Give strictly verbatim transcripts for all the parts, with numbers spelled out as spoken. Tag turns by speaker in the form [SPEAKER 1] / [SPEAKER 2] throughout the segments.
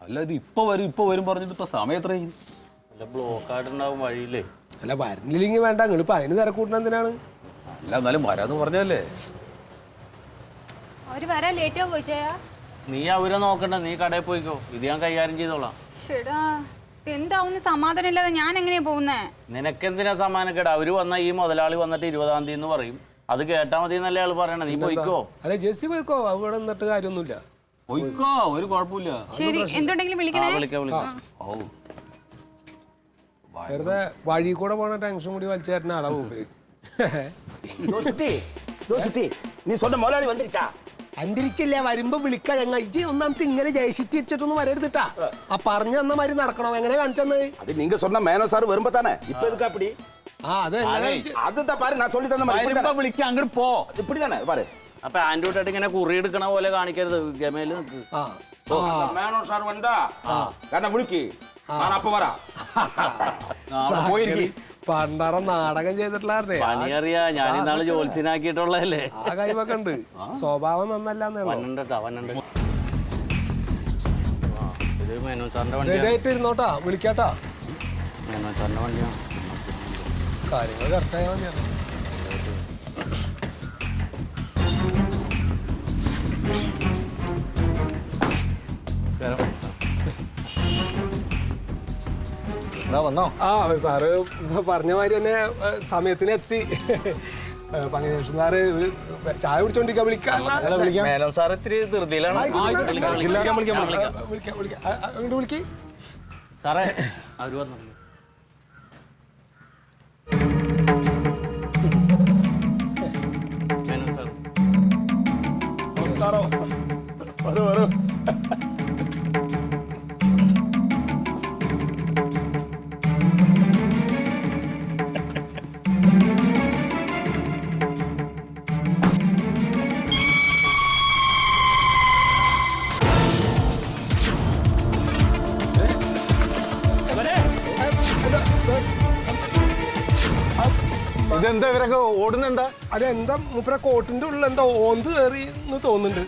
[SPEAKER 1] അല്ല ഇത് ഇപ്പൊ വരും ഇപ്പൊ വരും പറഞ്ഞിട്ട് ഇപ്പൊ സമയം എത്രയും
[SPEAKER 2] അല്ല ബ്ലോക്ക് ആയിട്ടുണ്ടാവും വഴിയില്ലേ.
[SPEAKER 3] അല്ല വരുന്നില്ലെങ്കിൽ വേണ്ട, നിങ്ങളിപ്പോ അതിന് തിരക്കൂട്ടണ എന്തിനാണ്?
[SPEAKER 1] അല്ല എന്നാലും വരാന്ന് പറഞ്ഞല്ലേ.
[SPEAKER 4] അവര് വരാൻ ലേറ്റ് ആവോ ചോദിച്ചാ?
[SPEAKER 2] നീ അവരെ നോക്കണ്ട, നീ കടയിൽ പോയിക്കോ, ഇത് ഞാൻ കൈകാര്യം ചെയ്തോളാം.
[SPEAKER 4] ശരിടാ, എന്താവുന്ന സമാധാനം ഇല്ലാതെ ഞാൻ എങ്ങനെയാ പോകുന്നേ?
[SPEAKER 2] നിനക്കെന്തിനാ സമ്മാനക്കേട്? അവര് വന്ന ഈ മുതലാളി വന്നിട്ട് ഇരുപതാം തീയതി എന്ന് പറയും, അത് കേട്ടാ മതി എന്നല്ലേ ആള് പറയണ. നീ പോയിക്കോ.
[SPEAKER 3] അല്ല ജെസ്സി പോയിക്കോ, അവിടെ നിന്നിട്ട് കാര്യമൊന്നുമില്ല.
[SPEAKER 1] പോയിക്കോ, ഒരു കുഴപ്പമില്ല.
[SPEAKER 4] ശരി, എന്തുണ്ടെങ്കിലും വിളിക്കണേ.
[SPEAKER 2] വിളിക്കാം വിളിക്കാം.
[SPEAKER 1] ഓ
[SPEAKER 3] വെറുതെ വഴി കൂടെ പോണ ടെൻഷൻ കൂടി വലിച്ചു തരുന്ന ആളാ മൂപ്പര്.
[SPEAKER 5] നീ സ്വന്തം മുതലാളി വന്നിരിച്ചാ?
[SPEAKER 3] അന്തരിച്ചില്ല, വരുമ്പോ വിളിക്കാ. ഞങ്ങൾ ഇജ്ജ് ഒന്നാമത്തെ ഇങ്ങനെ ജയിച്ചിട്ട് വെച്ചിട്ടൊന്നും വരരുതിട്ടാ. ആ പറഞ്ഞു തന്ന മാതിരി നടക്കണോ? എങ്ങനെ കാണിച്ചെന്ന്?
[SPEAKER 5] അത് നിങ്ങ സ്വന്തം മേനോ സാർ വരുമ്പോ തന്നെ ഇപ്പൊ എതുക്കാ പിടി?
[SPEAKER 3] ആ അതെ
[SPEAKER 5] അതെന്താ പാரு ഞാൻ சொல்லி തന്ന மாதிரி
[SPEAKER 1] വിളിക്കാം, അങ്ങോട്ട് പോ.
[SPEAKER 5] ഇപ്പടി തന്നെ പാரு.
[SPEAKER 2] അപ്പൊ ആൻഡ്രോയിഡ് ഇങ്ങനെ കുറി എടുക്കണ പോലെ കാണിക്കരുത്. ഗമയില് നിൽക്ക്.
[SPEAKER 5] മേനോ സാർ വന്നാ കാരണം വിളിക്ക്, ഞാൻ അപ്പൊ വരാ.
[SPEAKER 1] പോയിരിക്കും.
[SPEAKER 3] പണ്ടാറ നാടകം ചെയ്തിട്ടുള്ളായിരുന്നേ.
[SPEAKER 2] പണിയറിയാ, ഞാൻ ഇന്നാള് ജോത്സ്യനാക്കിയിട്ടുള്ളതല്ലേ.
[SPEAKER 3] ആ കൈവൊക്കെ ഉണ്ട്, സ്വഭാവം നന്നല്ലാന്നേ.
[SPEAKER 2] പന്നുണ്ടോ പന്നുണ്ട്. ഇത് മേനോ സാറിന്റെ വണ്ടിയാണ്.
[SPEAKER 3] ഇരുന്നോട്ടാ, വിളിക്കാട്ടാ.
[SPEAKER 2] മേനോ സാറിന്റെ വണ്ടിയാണ്.
[SPEAKER 3] കാര്യങ്ങൾ കറക്റ്റായ മതിയാണ്.
[SPEAKER 6] വന്നോ?
[SPEAKER 3] ആ സാറ് പറഞ്ഞ മാതിരി തന്നെ സമയത്തിന് എത്തി. പങ്കജേഷൻ സാറ് ഒരു ചായ കുടിച്ചോണ്ടിരിക്കാൻ വിളിക്കാം.
[SPEAKER 6] മേനോൻ സാർ ഇത്തിരി ധൃതിയിലാണ്.
[SPEAKER 3] അങ്ങോട്ട് വിളിക്ക്
[SPEAKER 2] സാറേ. അവര് വന്നു. മേനോൻ സാർ
[SPEAKER 5] നമസ്കാരം. വരൂ വരൂ.
[SPEAKER 6] ഇതെന്താ ഇവരൊക്കെ ഓടുന്ന? എന്താ
[SPEAKER 3] അതെന്താ മൂപ്പര കോട്ടിന്റെ ഉള്ളിൽ എന്താ ഓന്ത് കയറി എന്ന് തോന്നുന്നുണ്ട്.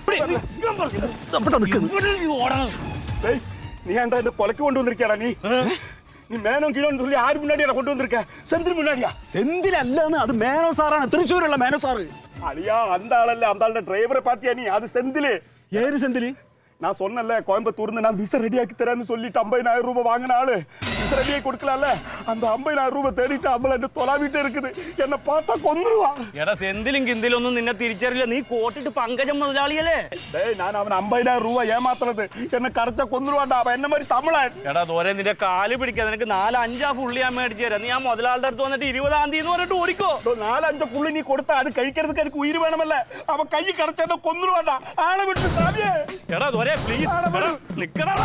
[SPEAKER 5] நீ ஏன்டா இந்த கொலைக்கு கொண்டு வந்திருக்கியாடா? நீ நீ மேனோம் கிலோன்னு சொல்லி ஆறு முன்னாடியா கொண்டு வந்திருக்க? செந்தில் முன்னாடியா?
[SPEAKER 7] செந்தில் அல்லன்னு அது மேனோ சாரான திருச்சூருள்ள மேனோ சாரு.
[SPEAKER 5] அழியா அந்த ஆளல்ல, அந்த ஆளோட டிரைவரை பாத்தியா நீ? அது செந்தில்.
[SPEAKER 7] ஏறு செந்தில்.
[SPEAKER 5] நான் சொன்னல கோயம்புத்தூர்ந்து நான் விச ரெடியாக்கி தரேன்னு சொல்லிட்டு ஐம்பதாயிரம் ரூபாய் வாங்கின ஆளு விச ரெடியாக்கி கொடுக்கலாம்ல. அந்த ஐம்பதாயிரம் ரூபாய் தேடிட்டு அம்பளை என்ன தொலாவிட்டே இருக்குது. என்ன பார்த்தா கொந்துருவா.
[SPEAKER 2] എടാ സെന്തിലും കിന്തിലും ഒന്നും നിന്നെ തിരിച്ചറിയില്ല. നീ കോട്ടിട്ട് പങ്കജം മുതലാളിയല്ലേ?
[SPEAKER 5] டேய் நான் அவன் ஐம்பதாயிரம் ரூபாய் ஏமாத்துறது என்ன கரெக்டா கொந்துருவான்டா. അവൻ എന്നെ மாதிரி തമിഴൻ.
[SPEAKER 2] എടാ ദോരെ നിന്റെ കാല് പിടിക്കാതെ നിനക്ക് നാല് അഞ്ചാ ഫുള്ളി ഞാൻ മേടിച്ചു തരാം. നീ ആ മുതലാളുടെ അടുത്ത് വന്നിട്ട് ഇരുപതാം തീയതി എന്ന് പറഞ്ഞിട്ട് ഓടിക്കോ.
[SPEAKER 5] നാലഞ്ച് ഫുള്ളി നീ കൊടുത്താ അത് കഴിக்கிறதுக்கு എനിക്ക് ഉയിര് വേണമല്ലേ. അവൻ കൈ കടച്ചെന്നെ കൊന്നുരുവാണ്ടാ. ആളെ വിട്ട് സാവിയേ.
[SPEAKER 2] എടാ ദോരെ പ്ലീസ് നിക്കടാ.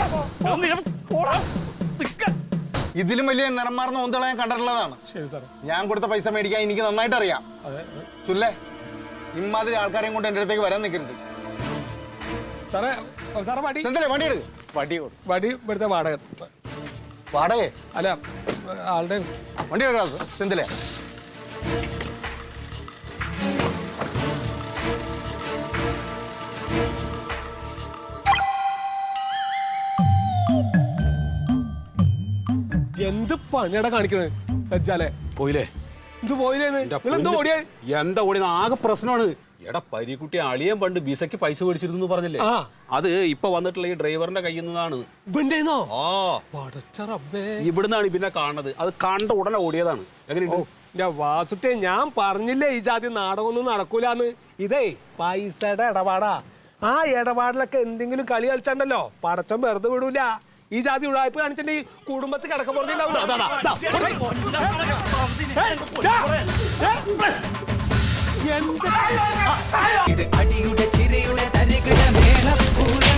[SPEAKER 6] ഇതിലും വലിയ നിറം മാറുന്ന ഓന്തള ഞാൻ കണ്ടിട്ടുള്ളതാണ്. ഞാൻ കൊടുത്ത പൈസ മേടിക്കാൻ എനിക്ക് നന്നായിട്ട് അറിയാം. സുല്ലേ, ഇമാതിരി ആൾക്കാരെയും കൊണ്ട് എന്റെ അടുത്തേക്ക് വരാൻ നിൽക്കരുത്.
[SPEAKER 3] സാറേ സാറേ വടി
[SPEAKER 6] സെന്തിലേ വണ്ടി എടുക്ക്. വണ്ടി
[SPEAKER 3] വടി ഇവിടുത്തെ വാടക
[SPEAKER 6] വാടക
[SPEAKER 3] അല്ല ആളുടെ
[SPEAKER 6] വണ്ടി എടുക്കാം സെന്തിലേ.
[SPEAKER 3] എന്ത് പണിയടാ കാണിക്കണേ വെച്ചാലേ?
[SPEAKER 1] പോയില്ലേ?
[SPEAKER 3] ഇത് പോയില്ലേന്ന് നിങ്ങളെന്താ ഓടിയ?
[SPEAKER 1] എന്താ ഓടി? ആകെ പ്രശ്നമാണ്. എടാ പരിക്കുട്ടി അളിയൻ പണ്ട് ബിസയ്ക്ക് പൈസ മേടിച്ചിരുന്നു പറഞ്ഞില്ലേ? അത് ഇപ്പൊ വന്നിട്ടുള്ള ഈ ഡ്രൈവറിന്റെ കയ്യിൽ നിന്നാണ്. ആ ഇവിടുന്നാണ് പിന്നെ കാണുന്നത്. അത് കണ്ട ഉടനെ ഓടിയതാണ്. എങ്ങനെയുണ്ട്
[SPEAKER 3] വാസുട്ടെ? ഞാൻ പറഞ്ഞില്ലേ ഈ ജാതി നാടകമൊന്നും നടക്കൂലെന്ന്. ഇതേ പൈസയുടെ ഇടപാടാ. ആ ഇടപാടിലൊക്കെ എന്തെങ്കിലും കളി കളിച്ചാണ്ടല്ലോ പടച്ചം വെറുതെ വിടൂല. ഈ ജാതി ഉഴായ്പ കാണിച്ചിട്ടുണ്ടെങ്കിൽ കുടുംബത്തിൽ കിടക്ക
[SPEAKER 8] അടിയുടെ ചിരയുടെ തരികിട മേള